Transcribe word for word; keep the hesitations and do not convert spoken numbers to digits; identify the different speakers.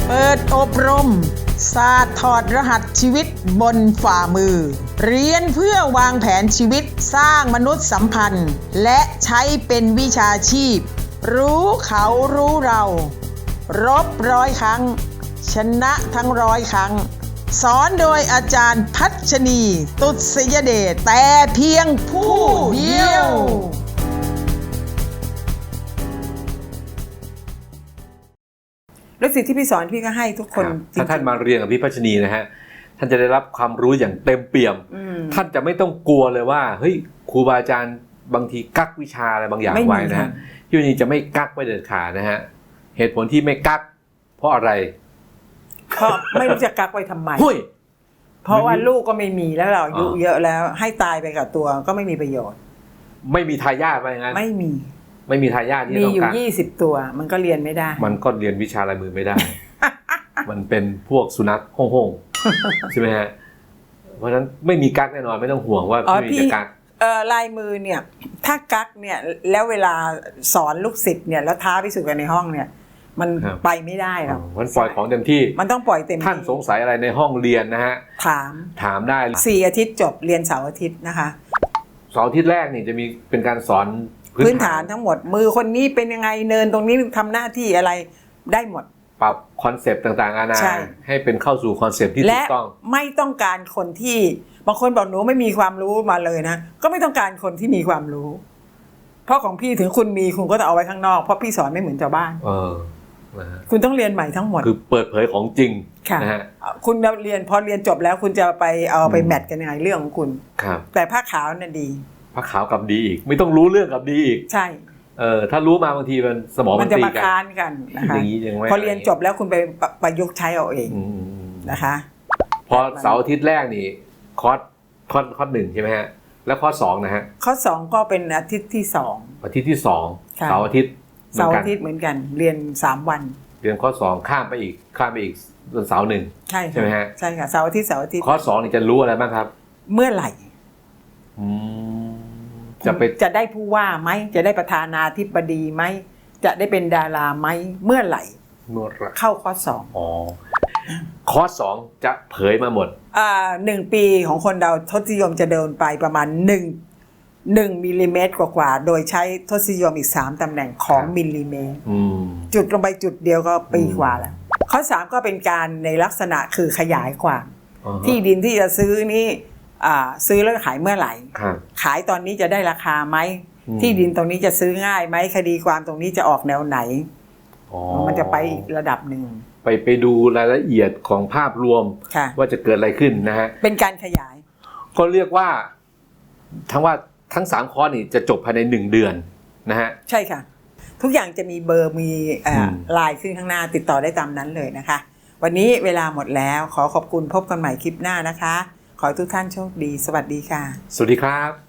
Speaker 1: เปิดอบรมศาสตร์ถอดรหัสชีวิตบนฝ่ามือเรียนเพื่อวางแผนชีวิตสร้างมนุษยสัมพันธ์และใช้เป็นวิชาชีพรู้เขารู้เรารบร้อยครั้งชนะทั้งร้อยครั้งสอนโดยอาจารย์พัชนีตุษยเดชแต่เพียงผู้เดียว
Speaker 2: แล้วสิ่งที่พี่สอนพี่ก็ให้ทุกคน
Speaker 3: ถ้าท่านมาเรียนกับพี่พัชนีนะฮะท่านจะได้รับความรู้อย่างเต็มเปี่ยมท่านจะไม่ต้องกลัวเลยว่าเฮ้ยครูบาอาจารย์บางทีกักวิชาอะไรบางอย่างไว้นะฮะพี่พัชนีจะไม่กักไว้เด็ดขาดนะฮะเหตุผลที่ไม่กักเพราะอะไร
Speaker 2: เพราะไม่รู้จะกักไว้ทำไมเพราะว่าลูกก็ไม่มีแล้วเราอายุเยอะแล้วให้ตายไปกับตัวก็ไม่มีประโยชน์
Speaker 3: ไม่มีทายาทไปงั้น
Speaker 2: ไม่มี
Speaker 3: ไม่มีทายาทที่ต้องการมี
Speaker 2: อยู่ยี่สิบตัวมันก็เรียนไม่ได้
Speaker 3: มันก็เรียนวิชาลายมือไม่ได้ มันเป็นพวกสุนัขห้องๆใช่ไหมฮะเพราะฉะนั้นไม่มีกักแน่นอนไม่ต้องห่วงว่าพี่จะกัก
Speaker 2: เอ่อลายมือเนี่ยถ้ากักเนี่ยแล้วเวลาสอนลูกศิษย์เนี่ยแล้วท้าพิสูจน์กันในห้องเนี่ยมันไปไม่ได้หรอก
Speaker 3: มันปล่อยของเต็มที่
Speaker 2: มันต้องปล่อยเต็มที่
Speaker 3: ท่านสงสัยอะไรในห้องเรียนนะฮะ
Speaker 2: ถาม
Speaker 3: ถามได้
Speaker 2: สี่อาทิตย์จบเรียนเสาร์อาทิตย์นะคะ
Speaker 3: เสาร์อาทิตย์แรกนี่จะมีเป็นการสอน
Speaker 2: พื้นฐานทั้งหมดมือคนนี้เป็นยังไงเนินตรงนี้ทำหน้าที่อะไรได้หมด
Speaker 3: ปรับคอนเซปต์ต่างๆนานาให้เป็นเข้าสู่คอนเซปต์ที่ถูกต้อง
Speaker 2: และไม่ต้องการคนที่บางคนบอกหนูไม่มีความรู้มาเลยนะก็ไม่ต้องการคนที่มีความรู้เพราะของพี่ถึงคุณมีคุณก็ต้องเอาไว้ข้างนอกเพราะพี่สอนไม่เหมือนชาวบ้าน
Speaker 3: เออ
Speaker 2: คุณต้องเรียนใหม่ทั้งหมด
Speaker 3: คือเปิดเผยของจริง
Speaker 2: นะฮะคุณเรียนพอเรียนจบแล้วคุณจะไปเอาไปแมทกันยังไงเรื่องของคุณ
Speaker 3: ครับ
Speaker 2: แต่ผ้าขาวน่ะดี
Speaker 3: ผ้าขาวกับดีอีกไม่ต้องรู้เรื่องกับดีอีก
Speaker 2: ใช่
Speaker 3: เออถ้ารู้มาบางทีมันสมอง
Speaker 2: มันจะมาค้านกันนะคะพอเรียนจบแล้วคุณไปประยุกต์ใช้เอาเองนะคะ
Speaker 3: พอเสาร์อาทิตย์แรกนี่คอร์สคอร์สคอร์สหนึ่งใช่ไหมฮะแล้วคอร์สสองนะฮะ
Speaker 2: คอร์สสองก็เป็นอาทิตย์ที่สอง
Speaker 3: อาทิตย์ที่สองเสาร์อาทิตย์
Speaker 2: เสาร์อาทิตย์เหมือนกันเรียนสามวัน
Speaker 3: เรียนคอร์สสองข้ามไปอีกข้ามไปอีกวันเสาร์หนึ่ง
Speaker 2: ใช่
Speaker 3: ใช่ไหมฮะ
Speaker 2: ใช่ค่ะเสาร์อาทิตย์เสาร์อาทิตย์
Speaker 3: คอร์สสองนี่จะรู้อะไรบ้างครับ
Speaker 2: เมื่อไหร่
Speaker 3: จะไป
Speaker 2: จะได้ผู้ว่าไหมจะได้ประธานาธิบดีไหมจะได้เป็นดาราไหมเมื่อไหร่
Speaker 3: เมื่อไหร่
Speaker 2: เข้าคอร์สสอง
Speaker 3: อ๋อคอร์สสองจะเผยมาหมด
Speaker 2: อ่าหนึ่งปีของคนเราทศนิยมจะเดินไปประมาณหนึ่งหนึ่งมิลลิเมตรกว่าๆโดยใช้ทศนิยมอีกสามตำแหน่งของมิลลิเมตรจุดลงไปจุดเดียวก็ปีกว่าแล้วข้อสามก็เป็นการในลักษณะคือขยายความที่ดินที่จะซื้อนี่ซื้อแล้วขายเมื่อไหร่ขายตอนนี้จะได้ราคาไหมที่ดินตรงนี้จะซื้อง่ายไหมคดีความตรงนี้จะออกแนวไหนมันจะไปอีกระดับหนึ่ง
Speaker 3: ไปไปดูรายละเอียดของภาพรวมว่าจะเกิดอะไรขึ้นนะฮะ
Speaker 2: เป็นการขยาย
Speaker 3: ก็เรียกว่าทั้งว่าทั้งสามคอร์สนี่จะจบภายในหนึ่งเดือนนะฮะ
Speaker 2: ใช่ค่ะทุกอย่างจะมีเบอร์มีไลน์ขึ้นข้างหน้าติดต่อได้ตามนั้นเลยนะคะวันนี้เวลาหมดแล้วขอขอบคุณพบกันใหม่คลิปหน้านะคะขอให้ทุกท่านโชคดีสวัสดีค่ะ
Speaker 3: สวัสดีครับ